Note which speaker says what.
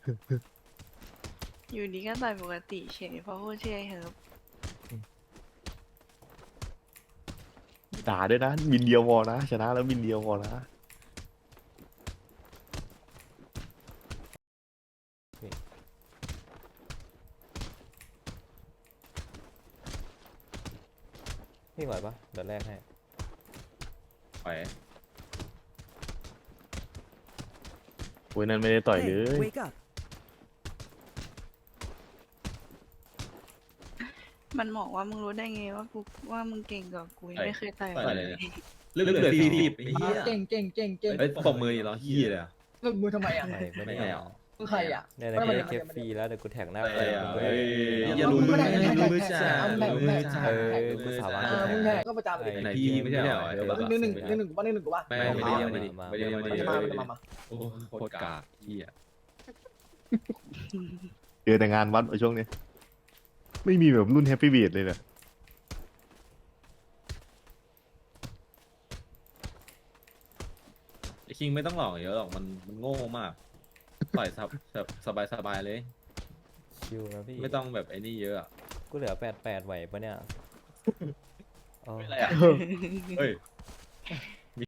Speaker 1: อยู่ดีก็ต่อยปกติเฉยเพราะพูดชื่อไอ้เฮิร์บ
Speaker 2: ด่าด้วยนะมินเดียวพอนะชนะแล้วมินเดียวพอนะ
Speaker 3: พี่ไหวปะเดี๋ยวแรกให้
Speaker 4: ไป
Speaker 2: โอ้ยนั่นไม่ได้ต่อยเลย
Speaker 5: Hey, wake up.
Speaker 1: มันบอกว่ามึงรู้ได้ไงว่ากูว่ามึงเก่งกว่ากูยังไม่เคยต่อย
Speaker 4: ต่อย
Speaker 1: เล
Speaker 4: เลย
Speaker 1: ย
Speaker 4: เลือดฟีบไอ้เหี้ย
Speaker 6: เก่งเก่งเก่งเก่ง
Speaker 4: เฮ้ยปมมือเหรอเหี้ยเลยอะ
Speaker 6: เลิกมือทำไมอ่ะ
Speaker 3: ไม่ไม่
Speaker 4: ไม่
Speaker 3: ได้
Speaker 4: เอา
Speaker 6: มึงใครอ่ะ
Speaker 3: เนี่ยนะ
Speaker 6: ไม่
Speaker 3: เก
Speaker 6: ไม่
Speaker 3: ฟฟรีแล้วเดี๋ยวกูแท็กหน้า
Speaker 4: เฮ้
Speaker 3: เฟ
Speaker 4: ย
Speaker 3: ซมึงด้วย
Speaker 4: อย่ารู้มือมือจ่า
Speaker 6: มึงแทง
Speaker 3: เออกูสามารถ
Speaker 6: มึงแทงก็ประจำเลย
Speaker 4: ไหนพี่ไม่ใช่เหรอ
Speaker 6: หนึ่งกูป่ะหนึ่งกูป่ะ
Speaker 4: ไม่ได้ยังไม่ได้
Speaker 6: มา
Speaker 4: โอ้โคตรกากเหี้ย
Speaker 2: เจอแต่งานวัดช่วงนี้ไม่มีแบบรุ่นแฮปปี้บีดเลยเนี่ย
Speaker 4: ไอ้คิงไม่ต้องหลอกเยอะหรอกมันโง่มากต่อยสบายเลย
Speaker 3: ชิวนะพี่
Speaker 4: ไม่ต้องแบบไอ้นี่เยอะอะ
Speaker 3: กูเหลือ88ไหวปะเนี่ยอ๋อ
Speaker 4: ไม่อะไรอ่ะเฮ้ย